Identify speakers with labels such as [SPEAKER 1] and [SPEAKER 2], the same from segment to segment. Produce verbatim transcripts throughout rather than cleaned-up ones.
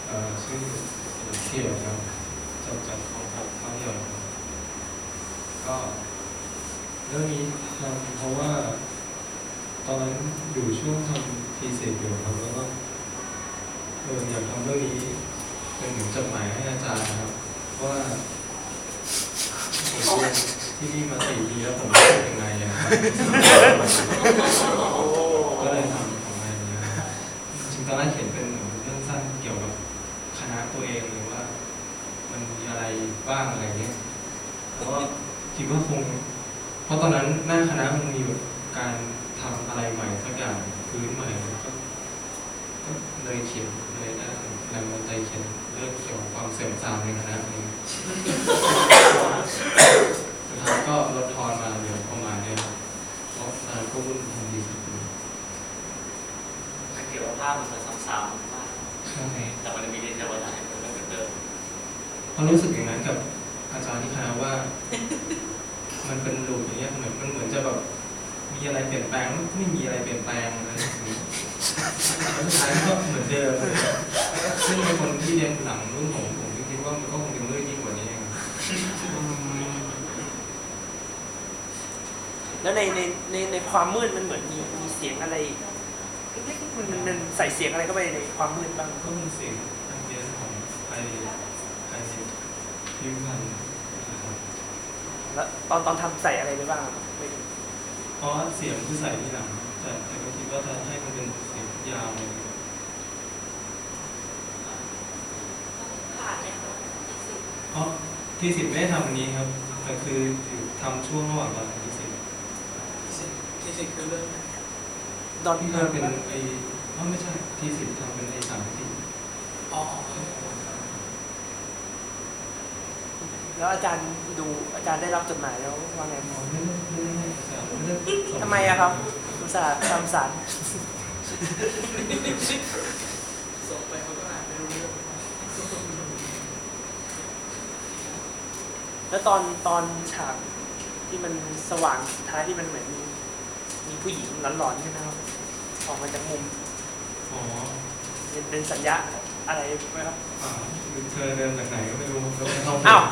[SPEAKER 1] เอ่อชื่อเขียวครับจบจากของผมภาพยนตร์ก็เรื่องนี้ทำเพราะว่าตอนนั้นอยู่ช่วงทำทีเสร็จอยู่ครับแล้วก็เอออยากทำเรื่องนี้เป็นเหมือนจดหมายให้อาจารย์นะครับว่าผมเรียนที่นี่มาสี่ปีแล้วผมรู้สึกยังไงนะครับก็เลยทำของอะไรนี้ครับจริงๆตอนแรกเขียนเป็นเรื่องสั้นเกี่ยวกับคณะตัวเองหรือว่ามันมีอะไรบ้างอะไรเงี้ยแล้วก็คิดว่าคงเพราะตอนนั้นหน้าคณะมันมีแบบการทำอะไรใหม่สักอย่างพื้นใหม่ก็ก็เลยเขียนเลยได้แรงบันดาลใจเขียนเรื่องเกี่ยวกับความเสื่อมทรามในคณะนี้สุดท้ายก็ลดทอนมาเหลือประมาณนี้ครับเพราะตอนนั้นก็วุ่นทำดีสุด
[SPEAKER 2] เกี่ยวกับภาพมันจะซ้ำๆมาก
[SPEAKER 1] ใช่
[SPEAKER 2] แต่มันมีดีเทลว่าอยากให้มันไม่เหมือนเดิม
[SPEAKER 1] เพราะรู้สึกอย่างนั้นกับอาจารย์ที่คณะว่ามันเป็นลูปอย่างเงี้ยเหมือนมันเหมือนจะแบบมีอะไรเปลี่ยนแปลงไม่มีอะไรเปลี่ยนแปลงอะไรอย่างนี้แล้วสุดท้ายก็เหมือนเดิมซึ่งเป็นคนที่เรียนหลังรุ่นผมผมคิดว่ามันก็คงเป็นเรื่องยิ่งกว่านี้เอง
[SPEAKER 3] แล้วในในในในความมืดมันเหมือนมีมีเสียงอะไรมันมันใส่เสียงอะไรเข้าไปในความมืดบ้าง
[SPEAKER 1] ก็มีเสียงอันเดียนของไอไอพิวพัน
[SPEAKER 3] แล้วตอนตอนทำใส่อะไรไปบ้าง
[SPEAKER 1] เพราะเสียงที่ใส่ที่หลังแต่แต่ก็คิดว่าจะให้มันเป็นเสียงยาวเลยเพราะที่สิบไม่ได้ทำอันนี้ครับแต่คือทำช่วงระหว่างตอนที่สิบ
[SPEAKER 4] ที่สิบคือเรื่อง
[SPEAKER 1] ตอนที่ทำเป็นไอ้อ๋อไม่ใช่ที่สิบทำเป็นไอ้สามที่
[SPEAKER 4] อ๋อ
[SPEAKER 3] แล้วอาจารย์ดูอาจารย์ได้รับจดหมายแล้วว่าไง
[SPEAKER 1] อ๋อไม่ได้ไม่ได้อาจารย์ไม่ได้
[SPEAKER 3] ทำไมอะครับอุตส่าห์ทำสาร
[SPEAKER 4] ส่งไปเขาก็อ่านไม่รู้เรื่อง
[SPEAKER 3] แล้วตอนตอนฉากที่มันสว่างสุดท้ายที่มันเหมือนมีมีผู้หญิงหลอนๆใช่ไหมครับออกมาจากมุม
[SPEAKER 1] อ๋อ
[SPEAKER 3] เป็นสัญญาอะไรไหมครับ
[SPEAKER 1] อ่าเธอเดินจากไหนก็ไม่รู้แล้วไม่เข้า
[SPEAKER 3] อ้าว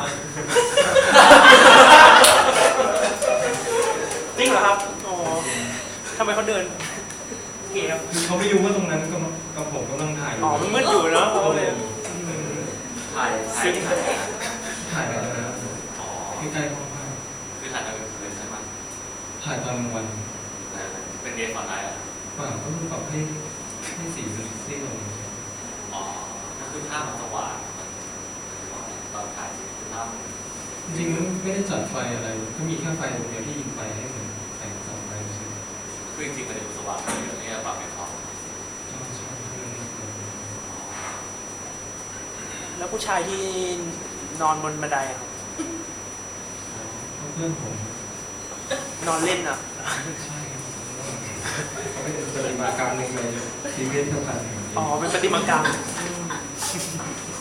[SPEAKER 3] จริงเหรอครับอ๋อทำไมเขาเดินเก๋ครับ
[SPEAKER 1] คือเขาไม่รู้ว่าตรงนั้นก็กับผมกำลังถ่าย
[SPEAKER 3] อ๋อมันมืดอยู่เนาะเขาเลย
[SPEAKER 2] ถ่ายถ่ายถ่าย
[SPEAKER 1] ถ่ายอะไรนะใกล้ๆห้องพัก
[SPEAKER 2] คือถ่ายตอนกลางคืนใช่ไหม
[SPEAKER 1] ถ่ายตอนกลางวัน
[SPEAKER 2] เป็นเดย์ฟอนไลท์อ่ะ
[SPEAKER 1] ป่าก็ปรับให้ให้สีมันซีดลง
[SPEAKER 2] อ๋อก็คือภาพมันสว่างตอนถ่ายภาพ
[SPEAKER 1] จริงๆไม่ได้จัดไฟอะไรก็มีแค่ไฟตรงเดียวที่ยิงไฟให้เหมือนแสงส่องไปใช่ไหม
[SPEAKER 2] คือจริงๆมันดูสว่างอยู่นี่ปรับให้เขา
[SPEAKER 3] แล้วผู้ชายที่นอนบนบันไดครับ
[SPEAKER 1] เพื่อนผม
[SPEAKER 3] นอนเล่นอ่ะ
[SPEAKER 1] ใช่เขาเป็นปฏิมากรรมหนึ่งเลยชีวิตเท่ากัน
[SPEAKER 3] อ๋อเป็นปฏิมากรรม